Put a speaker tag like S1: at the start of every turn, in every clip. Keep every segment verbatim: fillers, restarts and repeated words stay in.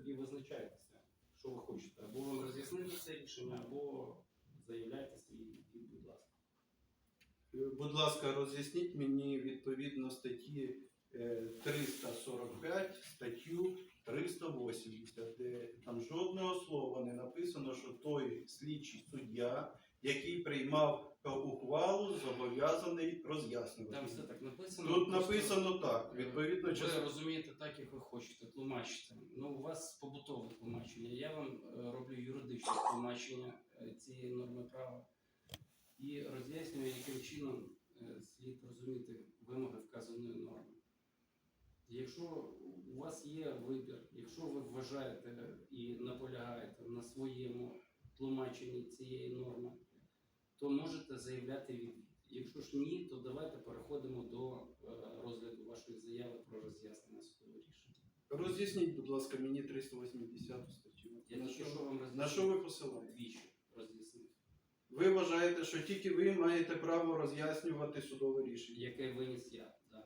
S1: тоді визначайтеся, що ви хочете. Або вам роз'яснити це рішення, або заявляйте свій відвід, будь ласка.
S2: Будь ласка, роз'ясніть мені відповідно статті е, триста сорок п'ять, статтю триста вісімдесят, де там жодного слова не написано, що той слідчий суддя, який приймав ухвалу, зобов'язаний роз'яснювати.
S1: Там все так написано.
S2: Тут
S1: просто,
S2: написано так, відповідно,
S1: ви
S2: частина-
S1: розумієте так, як ви хочете, тлумачите. Ну, у вас побутове тлумачення. Я вам е, роблю юридичне тлумачення е, цієї норми права і роз'яснюю, яким чином е, слід розуміти вимоги вказаної норми. Якщо у вас є вибір, якщо ви вважаєте і наполягаєте на своєму тлумаченні цієї норми, то можете заявляти відвід. Якщо ж ні, то давайте переходимо до е, розгляду вашої заяви про роз'яснення судового рішення.
S2: Роз'ясніть, будь ласка, мені триста вісімдесяту статтю.
S1: Я
S2: На
S1: тільки
S2: що,
S1: що вам
S2: на
S1: роз'яснив.
S2: що ви посилаєте?
S1: Двічі роз'яснив.
S2: Ви вважаєте, що тільки ви маєте право роз'яснювати судове рішення?
S1: Яке виніс я, так.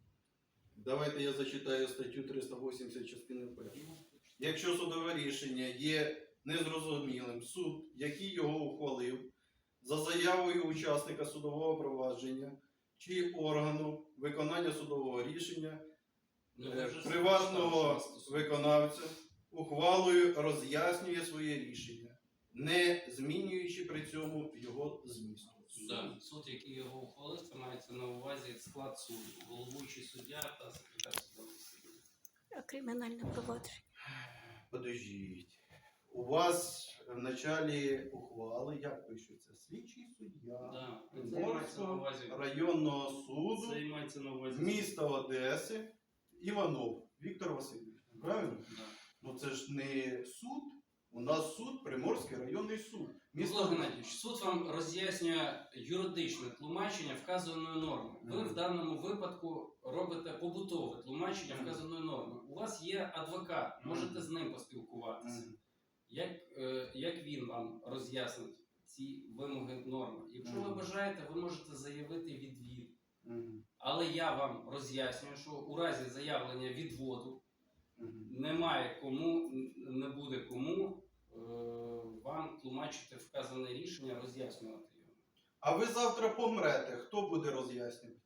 S2: Давайте я зачитаю статтю триста вісімдесят частини першої. Якщо судове рішення є незрозумілим, суд, який його ухвалив, за заявою учасника судового провадження чи органу виконання судового рішення,
S1: Ну,
S2: е,
S1: ви вже
S2: приватного
S1: сказали, що стосується.
S2: виконавця ухвалою роз'яснює своє рішення, не змінюючи при цьому його змісту.
S1: Да. Суд, який його ухвалив, це мається на увазі склад суду, головуючий суддя та секретар судового засідання.
S3: А кримінальне провадження?
S2: Подождіть. У вас в началі ухвали, як пишеться, слідчий суддя
S1: Да. Це мається на
S2: Приморського
S1: увазі.
S2: районного суду
S1: Це мається на увазі.
S2: міста Одеси Іванов Віктор Васильович. Правильно?
S1: Да.
S2: Ну це ж не суд. У нас суд, Приморський районний суд.
S1: Микола Геннадійович, суд вам роз'яснює юридичне тлумачення вказаної норми. Ви
S2: Мгм.
S1: в даному випадку робите побутове тлумачення вказаної норми. У вас є адвокат, можете з ним поспілкуватися.
S2: Мгм.
S1: Як, е, як він вам роз'яснить ці вимоги норми? Якщо ви
S2: Мгм.
S1: бажаєте, ви можете заявити відвід.
S2: Мгм.
S1: Але я вам роз'яснюю, що у разі заявлення відводу
S2: Мгм.
S1: немає кому, не буде кому е, вам тлумачити вказане рішення, роз'яснювати його.
S2: А ви завтра помрете, хто буде роз'яснювати?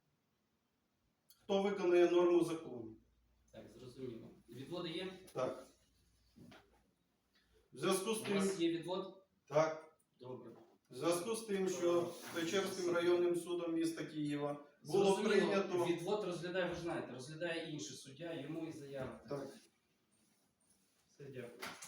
S2: Хто виконує норму закону?
S1: Так, зрозуміло. Відводи є?
S2: Так. В зв'язку з
S1: У
S2: тим,
S1: вас є відвод?
S2: так,
S1: Добре.
S2: в зв'язку з тим, що Печерським районним судом міста Києва було
S1: Зрозуміло.
S2: прийнято.
S1: Відвод розглядає, ви ж знаєте, розглядає інший суддя, йому і заявити.
S2: Так.
S1: Все, дякую.